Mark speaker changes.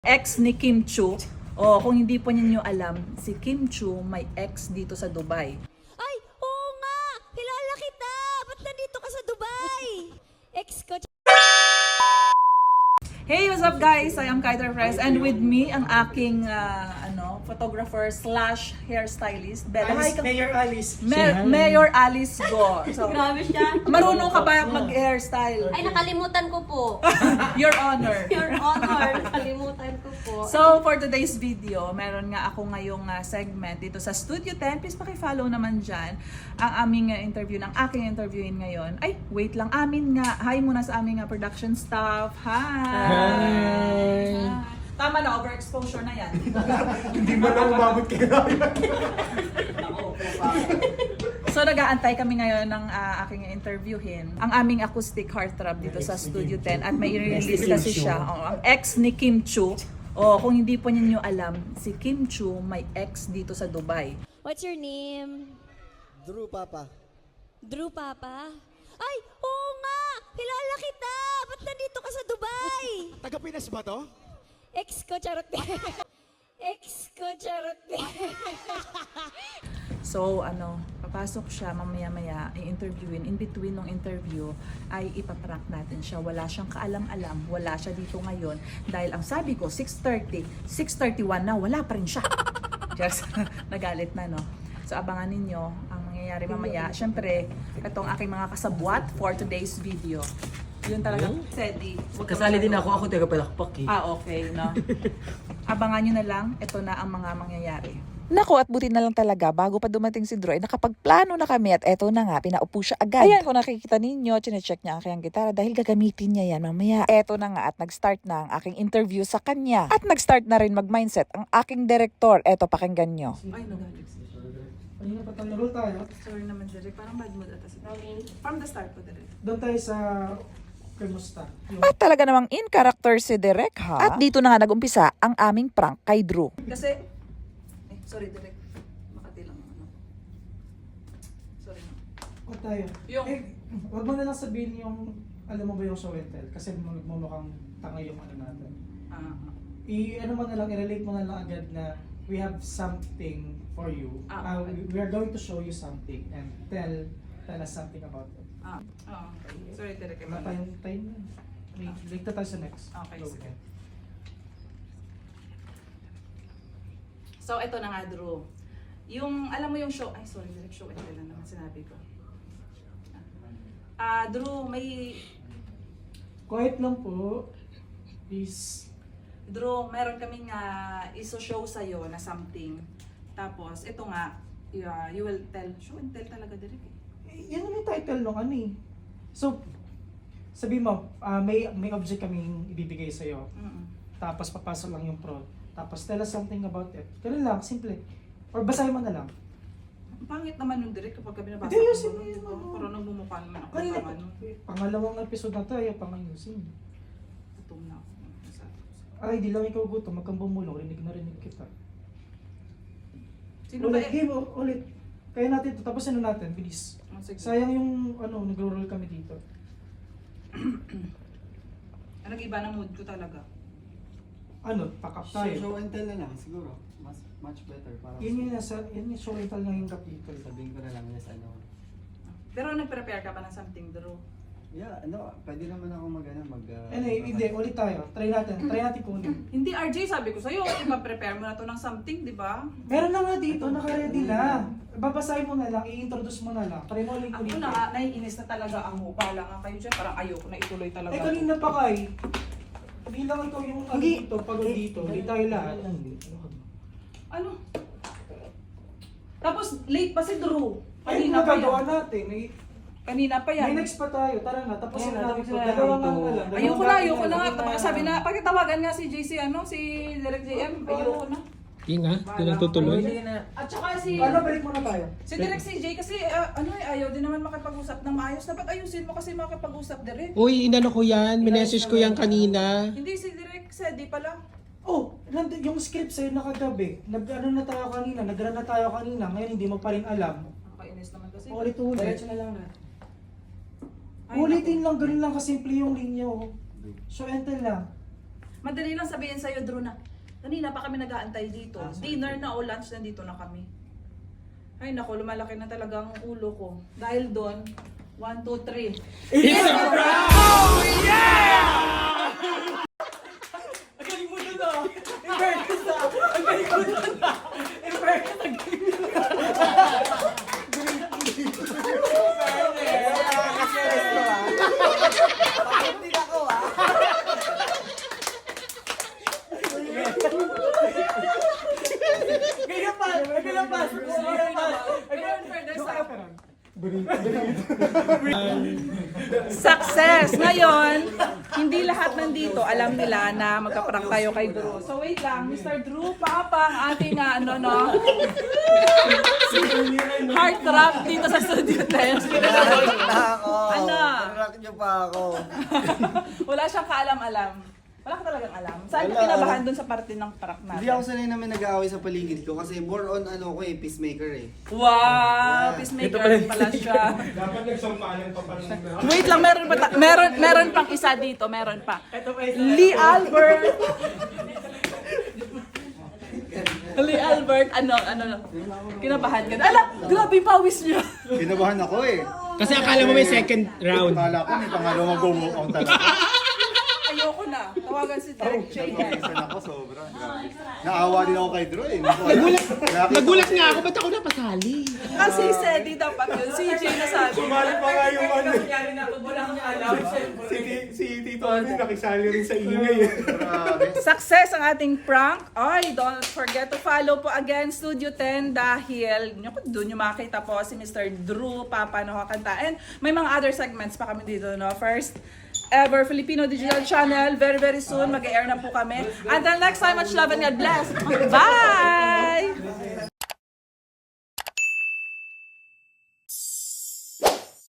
Speaker 1: ex ni Kim Chiu. O kung hindi po ninyo alam, si Kim Chiu may ex dito sa Dubai.
Speaker 2: Ay, oo nga! Kilala kita! Ba't nandito ka sa Dubai? Ex ko.
Speaker 1: Hey, what's up guys? I am Kaider Press and with me ang aking photographer slash hairstylist, Bella. Hi,
Speaker 3: Mayor Alice.
Speaker 1: Mayor Alice Go. So,
Speaker 2: Grabe siya.
Speaker 1: marunong ka ba mag-hairstyle?
Speaker 2: Ay, nakalimutan ko po.
Speaker 1: Your honor.
Speaker 2: Your honor, nakalimutan ko po.
Speaker 1: So, for today's video, meron nga ako ngayong segment dito sa Studio 10. Please paki-follow naman dyan ang aming interview ng aking interviewin ngayon. Ay, wait lang. Amin nga. Hi muna sa aming production staff. Hi! Tama na, overexposure na yan.
Speaker 3: Hindi mo na umabot kay Ryan.
Speaker 1: So nag-aantay kami ngayon ng aking interviewin. Ang aming acoustic heartthrob dito sa Studio 10 at may i-release kasi siya. Ang ex ni Kim Chiu. Kung hindi po ninyo alam, si Kim Chiu may ex dito sa Dubai.
Speaker 2: What's your name?
Speaker 4: Drew Papa.
Speaker 2: Drew Papa? Ay, oo nga! Kilala kita! Ba't nandito ka sa Dubai?
Speaker 4: Taga Pinas ba to?
Speaker 2: Ex ko, charot. Ex ko, charot.
Speaker 1: So papasok siya mamaya-maya, i-interviewin. In between ng interview ay ipaprank natin siya. Wala siyang kaalam-alam, wala siya dito ngayon. Dahil ang sabi ko, 6:30, 6:31 na, wala pa rin siya. Just, nagalit na, no? So abangan ninyo ang mangyayari mamaya. Siyempre, itong aking mga kasabwat for today's video. Yun talaga, Sedi.
Speaker 3: Kasali din ako taga Palakpak eh.
Speaker 1: Okay, no? Abangan nyo na lang, ito na ang mga mangyayari.
Speaker 5: Nako, at buti na lang talaga, bago pa dumating si Drew, ay nakapagplano na kami at eto na nga, pinaupo siya agad. Ayan, kung nakikita ninyo, chinecheck niya ang kanyang gitara dahil gagamitin niya yan mamaya. Eto na nga at nag-start na ang aking interview sa kanya. At nag-start na rin mag-mindset ang aking director. Eto, pakinggan nyo.
Speaker 1: Ay, nagalit siya.
Speaker 3: Kanina pa tayo, roll tayo.
Speaker 1: Sorry naman, Derek. Parang bad mood ata si From the start po, Derek.
Speaker 3: Doon tayo sa Kamusta.
Speaker 5: At talaga namang in character si Derek ha. At dito na nga nag-umpisa ang aming prank kay Drew.
Speaker 1: Kasi, sorry, Derek. Makati lang. Sorry.
Speaker 3: Huwag tayo.
Speaker 1: Yung-
Speaker 3: Wag mo na lang sabihin yung, alam mo ba yung show and tell? Kasi magmumukhang tanga yung ano natin. Ano mo na lang, i-relate mo na lang agad na we have something for you.
Speaker 1: Okay.
Speaker 3: We are going to show you something and tell us something about it.
Speaker 1: Okay. Sorry, Derek.
Speaker 3: Wala tayong time na. Late na tayo sa next.
Speaker 1: Okay,
Speaker 3: Go.
Speaker 1: sige. So, ito na nga, Drew. Yung, alam mo yung show, ay sorry, Derek, show and tell lang naman sinabi ko. Drew, may,
Speaker 3: Quiet lang po. Please.
Speaker 1: Drew, meron kaming iso-show sa'yo na something. Tapos, ito nga, you will tell, show and tell talaga, Derek.
Speaker 3: Yan ang title nung ano eh. So, sabi mo, may object kaming ibibigay sa'yo. Tapos papasok lang yung prod. Tapos tell us something about it. Ganun lang, simple. Or basahin mo na lang.
Speaker 1: Pangit naman yung Derek kapag kami nabasa
Speaker 3: Hindi, ayusin mo yun,
Speaker 1: diba?
Speaker 3: ano.
Speaker 1: Parang nagmumukha naman ako.
Speaker 3: Kanina,
Speaker 1: Ano,
Speaker 3: pangalawang episode na tayo, pangayusin.
Speaker 1: gutom na ako.
Speaker 3: Ay, di lang ikaw gutom, magkang bumulong, rinig na rinig kita.
Speaker 1: Sino ba
Speaker 3: Ulit, game, ulit. Kaya natin ito, tapos ano natin, bilis.
Speaker 1: Sige.
Speaker 3: Sayang yung, nagro-roll kami dito.
Speaker 1: Nag-iba na mood ko talaga.
Speaker 3: Pack up tayo.
Speaker 4: Show and tell na lang siguro. Much better. Para
Speaker 3: Yun yung show and tell na yung capitol.
Speaker 4: sabihin ko na lang yes,
Speaker 1: Pero nag-prepare ka ba ng something, Drew?
Speaker 4: Yeah, pwede naman ako
Speaker 3: Hindi, ulit tayo. Try natin kunin.
Speaker 1: Hindi, RJ, sabi ko sa'yo, ipa-prepare mo na to ng something, di ba?
Speaker 3: Meron na nga dito, naka-ready na. Babasahin mo na lang, i-introduce mo na lang. Try mo ulit
Speaker 1: Ako
Speaker 3: ulit.
Speaker 1: na, naiinis na talaga ako. Pala nga kayo dyan, parang ayoko na ituloy talaga.
Speaker 3: Kanina pa kay. Hindi lang ikaw yung dito, pagod dito. Hindi tayo lahat.
Speaker 1: Ano? Tapos, late pa si Drew.
Speaker 3: Ay,
Speaker 1: Kanina pa
Speaker 3: nagagawa
Speaker 1: yan.
Speaker 3: natin.
Speaker 1: Kanina pa yan.
Speaker 3: May next pa tayo. Tara na, tapos
Speaker 1: Ayan,
Speaker 3: na natin
Speaker 1: tapos
Speaker 3: ito.
Speaker 1: na
Speaker 3: Dalawa
Speaker 1: natin
Speaker 3: nga
Speaker 1: ito.
Speaker 3: na lang.
Speaker 1: Ayoko na nga. Sabi na, pakitawagan nga si JC, si Direct JM. Ayoko na.
Speaker 6: Hindi nga, hindi na tutuloy.
Speaker 1: At saka si...
Speaker 3: Balik muna tayo.
Speaker 1: Si Direct CJ kasi ayaw din naman makipag-usap ng maayos. Dapat ayusin mo kasi makipag-usap Direct.
Speaker 6: Uy, inano ko yan, minessage ko yan kanina.
Speaker 1: Hindi si Direct Sedi pala.
Speaker 3: Oh, yung script sa'yo nakagabi. Nag-ano na tayo kanina, nag-run na tayo kanina. Ngayon hindi mo pa rin alam.
Speaker 1: Nakakainis naman kasi.
Speaker 3: Ulit-ulit.
Speaker 1: na lang na.
Speaker 3: Ulitin lang, ganun lang kasimple yung linya. Show and tell lang.
Speaker 1: Madali lang sabihin sa'yo, Drew, na kanina pa kami nag-aantay dito. Dinner na o lunch, nandito na kami. Ay nako, lumalaki na talaga ang ulo ko. Dahil doon, 1, 2, 3.
Speaker 6: It's a prank!
Speaker 1: Success! Ngayon, hindi lahat nandito alam nila na magka-prank tayo kay Drew. So wait lang, Mr. Drew, paapa ang ating heartthrob dito sa Studio 10. Ano?
Speaker 4: Rock niyo pa ako.
Speaker 1: Wala siyang kaalam-alam. Wala ka talagang alam. Saan ka
Speaker 4: Wala.
Speaker 1: kinabahan dun sa parte ng prank natin?
Speaker 4: Hindi ako sanay namin nag-aaway sa paligid ko kasi more on peacemaker eh.
Speaker 1: Wow! Peacemaker pala siya.
Speaker 6: Dapat nagsampalan pa pala ng
Speaker 1: Wait lang, meron pang isa dito, meron pa. Lee Albert. Lee Albert, ano, kinabahan ka. Ala, grabe yung pawis niya.
Speaker 4: Kinabahan ako eh.
Speaker 6: Kasi akala mo may second round.
Speaker 4: Akala ko may pangalawang go-walk out talaga.
Speaker 1: Ayoko na. Tawagan si Derek Chay.
Speaker 4: Isa na ako, sobra. Grabe. Naawa din ako kay Drew eh.
Speaker 6: Nagulat nga ako, ba't ako napasali?
Speaker 1: Kasi Sedi dapat yun. Si Jay nasabi.
Speaker 7: Sumali pa nga yung ano.
Speaker 1: Nangyari na pag wala kang alam.
Speaker 7: Si Tito Alvin nakisali rin sa ingay eh.
Speaker 4: Grabe.
Speaker 1: Success ang ating prank. Ay, don't forget to follow po again Studio 10 dahil doon yung makita po si Mr. Drew, Papa no kakanta. And may mga other segments pa kami dito, no? First ever Filipino Digital Channel. Very, very soon mag-air na po kami. Until next time, much love and God bless. Bye!